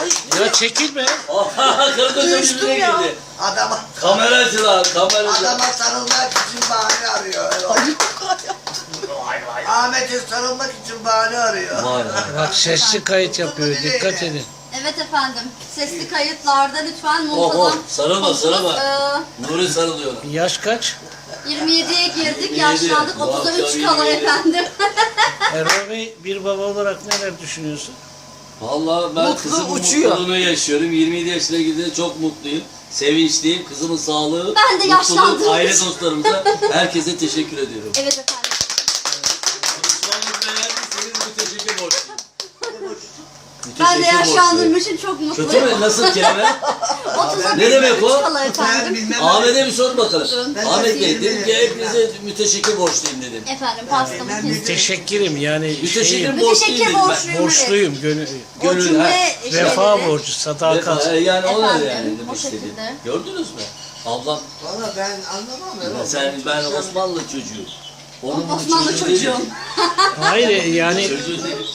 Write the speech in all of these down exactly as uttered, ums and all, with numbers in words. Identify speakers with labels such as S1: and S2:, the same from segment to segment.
S1: Ya çekilme.
S2: Kardeşim yüzüne girdi.
S3: Adama,
S2: Kameracılar, kameracılar.
S3: adama sarılmak için bahane arıyor. Ahmet'e sarılmak için bahane arıyor.
S2: Vay be.
S1: Bak sesli kayıt yapıyor. Dikkat edin.
S4: Evet efendim. Sesli kayıtlarda lütfen
S2: Oh oh,
S4: muntazam.
S2: sarılma sarılma.
S4: Ee,
S2: Nuri sarılıyor.
S1: Yaş kaç?
S4: yirmi yediye girdik,
S2: yirmi yedi.
S4: yaşlandık.
S2: Bu
S4: otuza
S2: akşam
S4: üç kala
S2: yirmi yedi.
S4: efendim.
S1: Erol Bey bir baba olarak neler düşünüyorsun?
S2: Vallahi ben
S3: Mutlu
S2: kızımın
S3: uçuyor.
S2: mutluluğunu yaşıyorum. yirmi yedi yaşına girdiğimde çok mutluyum. Sevinçliyim. Kızımın sağlığı,
S4: Ben de yaşlandığım
S2: aile
S4: için.
S2: dostlarımıza herkese teşekkür ediyorum.
S4: Evet efendim.
S2: Osmanlı'da beğendiyseniz müteşekkir borçluyum.
S4: Ben de
S2: Müteşekkir
S4: yaşlandığım
S2: borçluyum.
S4: için çok
S2: Kötü
S4: mutluyum.
S2: mü? Nasıl kelime?
S4: otuza
S2: Ne demek o?
S4: kala
S3: Ben
S4: efendim.
S3: bilmem.
S2: Ahmet'e bir sor bakalım.
S3: Ben
S2: Ahmet Bey
S3: de
S2: dedim ki hepinize müteşekkir borçluyum dedim.
S4: Efendim pastamı
S3: Ben-
S4: kestim.
S1: Teşekkürim yani
S2: Müteşekkir
S1: şeyim,
S2: borçluyum
S4: Müteşekkir
S2: dedim ben.
S4: borçluyum.
S1: borçluyum. Gönül,
S4: O
S2: Gönül,
S4: cümle
S1: vefa
S4: şeyleri-
S1: borcu, sadakat.
S2: Vefa, yani o ne
S4: Efendim,
S2: yani
S4: o
S2: demek istediğim.
S4: şekilde.
S2: Gördünüz mü? Ablam,
S3: Valla ben anlamam. Erol.
S2: sen ben Osmanlı çocuğu. Onun
S4: Osmanlı
S2: çocuğu
S4: çocuğum.
S2: değilim.
S1: Hayır yani
S2: Çocuğu değil.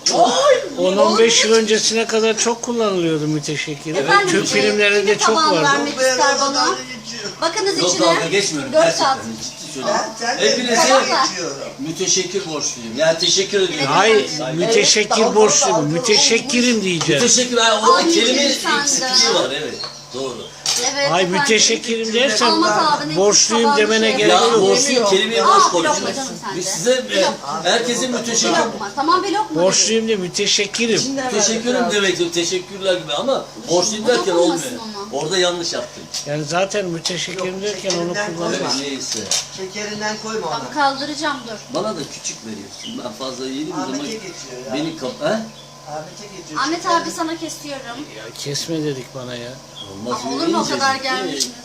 S1: on on beş yıl öncesine kadar çok kullanılıyordu müteşekkir.
S4: Efendim,
S1: Türk
S4: e,
S1: filmlerinde
S4: kime
S1: çok
S4: taban
S1: vardı.
S4: vermek ister bana? Bakınız
S2: Yok
S4: içine.
S2: dalga geçmiyorum.
S4: Dört
S2: Gerçekten
S4: saat.
S2: ciddi söylüyorum.
S3: Ben sen de
S2: Hepinize
S4: Tamam.
S3: geçiyorum.
S2: müteşekkir borçluyum. Yani teşekkür ediyorum.
S1: Hayır,
S2: Saygı.
S1: müteşekkir borçluyum. Müteşekkirim diyeceğim.
S2: Müteşekkir. Yani orada
S4: Ay,
S2: kelime
S4: lütfen de.
S2: eksikliği var. Evet. Doğru.
S4: Evet,
S1: Ay
S4: efendim.
S1: müteşekkirim dersen
S4: Almat abinin
S1: borçluyum
S4: tabanı
S1: demene
S4: şey-
S1: gerek
S2: Ya
S1: yok.
S2: borçluyum kelimeye
S4: Aa,
S2: boş
S4: bir lokma
S2: konuşuyoruz.
S4: canım sen
S2: Biz
S4: de.
S2: size
S4: Bir lokma.
S2: herkesin
S4: Bir
S2: müteşekkir
S4: lokma. Tamam bir lokma.
S1: Borçluyum de müteşekkirim.
S2: Teşekkürüm demek yok, teşekkürler gibi ama borçluyum derken
S4: Dokunmasın
S2: olmuyor.
S4: ona.
S2: Orada yanlış yaptım.
S1: Yani zaten müteşekkirim derken onu
S2: Evet,
S1: kullanıyorum.
S2: neyse.
S3: Şekerinden koyma
S4: Tamam,
S3: ona.
S4: kaldıracağım dur.
S2: Bana da küçük veriyorsun. Ben fazla yedim o zaman
S3: Ahmet'e geçiyor ya.
S2: beni kap... He?
S3: Ahmet'e geçiyor.
S4: Ahmet abi sana kesiyorum.
S1: Ya kesme dedik bana ya.
S2: Olmaz
S4: Ama
S2: öyle
S4: olur mu o
S2: yiyeceğiz,
S4: kadar
S2: değil mi?
S4: gelmişsiniz?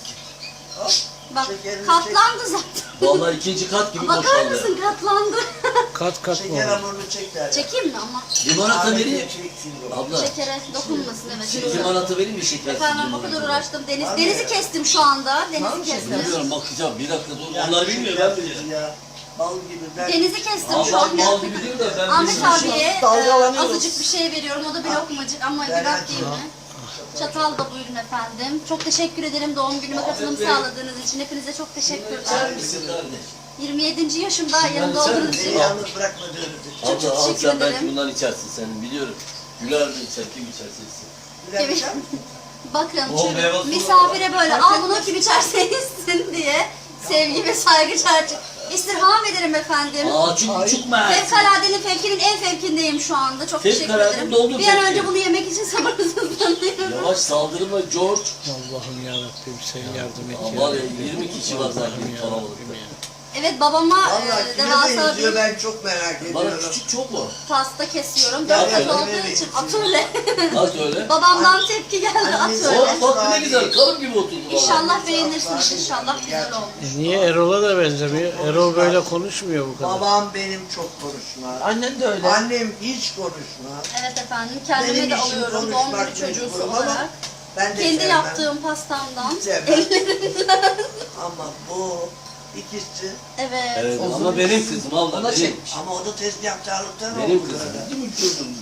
S4: Bak
S3: Şekerini
S4: katlandı zaten.
S2: Vallahi ikinci kat gibi
S4: Bakar
S2: boşaldı.
S4: mısın katlandı.
S1: Kat kat mı
S3: Şeker
S1: olur?
S3: hamurunu çek der.
S4: Çekeyim mi ama?
S2: Limonata
S3: Ahmet'e
S2: vereyim.
S3: çeksin o.
S2: Abla,
S4: Şekere dokunmasın evet.
S2: limonata vereyim mi şekersiz
S4: Efendim o kadar
S2: limonata?
S4: uğraştım. Deniz,
S3: Var mı
S4: denizi
S3: ya?
S4: kestim şu anda. Denizi kestim.
S2: Bilmiyorum bakacağım bir dakika dur.
S3: Ya
S2: Onlar
S3: şeker
S2: bilmiyor ben biliyorum.
S3: Ya. Bal gibi ben.
S4: Denizi kestim şu
S2: Allah
S4: an.
S2: mal gibi diyor da ben
S4: Ahmet
S2: bilmiyorum.
S4: abiye e,
S3: Dalgalanıyoruz.
S4: azıcık bir şey veriyorum. O da bir lokmacık ama
S3: Ben
S4: gürak değil
S3: açayım.
S4: mi? Çatal da buyurun efendim. Çok teşekkür ederim doğum günüme katılım
S2: Bey.
S4: sağladığınız için. Hepinize çok teşekkür
S2: İçer
S4: ederim.
S2: misin kardeş?
S4: yirmi yedinci yaşımda yanımda
S2: içer
S4: olduğunuz
S2: misin?
S4: için.
S3: Beni yalnız bırakmadığınız için.
S4: Çok
S2: Abla al
S4: teşekkür
S2: sen belki
S4: ederim.
S2: bundan içersin senin biliyorum. Güler de içer kim içerse içsin.
S3: Bilemeyeceğim.
S4: Bakın
S2: O
S4: şu
S2: meyve suyu
S4: misafire böyle al bunu kim içerse içsin diye sevgi ve saygı çerçeve. İstirham ederim efendim.
S2: Aa çünkü çok mert.
S4: Fevkaladenin fevkinin en fevkindeyim şu anda. Çok teşekkür
S2: Fevkalade
S4: ederim.
S2: doldu
S4: Bir an
S2: fevki.
S4: önce bunu yemek için sabırsızlanıyorum.
S2: Yavaş saldırma George.
S1: Allah'ım yarabbim sen yardım et
S2: Aa,
S1: ya.
S2: var ya yirmi kişi var zaten
S1: Allah'ım
S2: kalabalıkta.
S1: yarabbim ya.
S4: Evet babama
S3: Valla
S4: e,
S3: kime
S4: devasa
S3: benziyor
S4: bir
S3: ben çok merak
S2: Bana
S3: ediyorum.
S2: küçük çok mu?
S4: pasta kesiyorum.
S3: Ya,
S4: Dört kat
S3: ya,
S4: olduğu
S3: öyle
S4: için
S3: mi?
S4: atölye.
S2: Nasıl öyle?
S4: Babamdan tepki geldi
S3: Anne,
S4: atölye.
S2: Oh bak ne güzel kalıp gibi oturdu valla.
S4: İnşallah beğenirsiniz inşallah güzel olmuş.
S1: E niye Erol'a da benzemiyor? Erol böyle konuşmuyor bu kadar.
S3: Babam benim çok konuşmaz.
S5: Annen de öyle.
S3: Annem hiç konuşmaz.
S4: Evet efendim kendime
S3: Benim
S4: de
S3: işim
S4: alıyorum doğum
S3: konuşmak
S4: günü çocuğusu
S3: mecburum ama
S4: olarak.
S3: Ben de
S4: Kendi
S3: sevmem.
S4: yaptığım pastamdan.
S3: Sevmem.
S4: Ellerinden.
S3: Ama bu ikisi.
S4: Evet.
S2: Evet ama benim kızım abla
S5: Ona
S2: benim.
S5: çekmiş.
S3: Ama o da tezgahtarlıktan
S2: Benim
S3: oldu
S2: kızım
S3: böyle.
S2: değil mi çocuğum?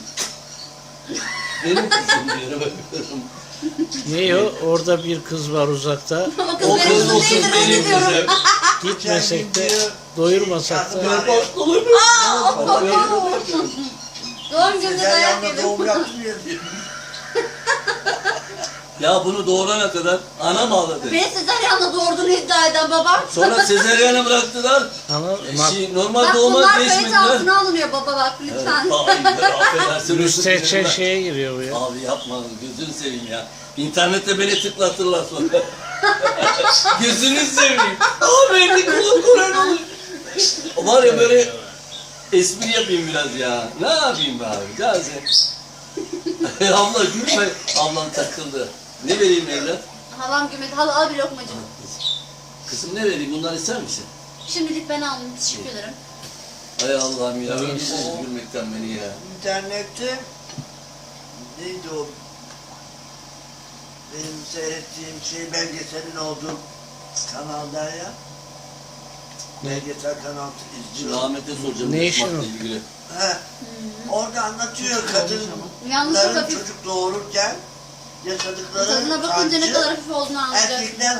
S2: Benim kızım diyorum bakıyorum.
S1: Ne o? Orada bir kız var uzakta.
S4: O kız
S2: O
S4: benim
S2: kız
S4: kızım
S2: olsun
S4: değildir
S2: benim
S4: reddediyorum.
S2: kızım.
S1: Gitmesek de doyurmasak da.
S2: Olur mu?
S4: Doğum gününde
S3: Sezer
S4: dayak
S3: yanında
S4: yedim.
S3: doğum yapmıyor diyor.
S2: Ya bunu doğurana kadar anam ağladı.
S4: Beni sezaryenle doğurduğunu iddia eden babam.
S2: Sonra sezeryana bıraktılar.
S1: Ama
S2: Şey, normal
S4: Bak
S2: doğuma
S4: bunlar
S2: beş bin
S4: kayıt
S2: lira.
S4: altına alınıyor baba bak lütfen.
S2: Hayır affedersin.
S1: müstehcen şeye giriyor bu ya.
S2: Abi yapma gözünü seveyim ya. İnternette beni tıklatırlar sonra. Gözünü seveyim. Abi elini kulak kuran olur. Var ya böyle espri yapayım biraz ya. Ne yapayım be abi? Gazi. Abla gülme. Ablam takıldı. Ne vereyim evlat?
S4: Halam gümedi. Hala al bir lokmacık.
S2: Kızım ne vereyim? Bunları ister misin?
S4: Şimdilik ben aldım. Teşekkür ederim.
S2: Ay Allah'ım ya. Ölürsünüz gülmekten beni ya.
S3: İnternette neydi o? Benim seyrettiğim şey belgeselin olduğu kanalda ya. Belgesel kanal izliyorum.
S2: Rahmet'e soracağım.
S1: Ne
S2: bu
S1: işin
S2: smartla
S1: o?
S2: ilgili.
S3: He. Orada anlatıyor kadın
S4: Yalnız çok
S3: Bunların
S4: hafif.
S3: çocuk doğururken yaşadıkları
S4: Tadına bakınca ne
S3: sancı,
S4: kadar hafif olduğunu anlayacak.
S3: erkekler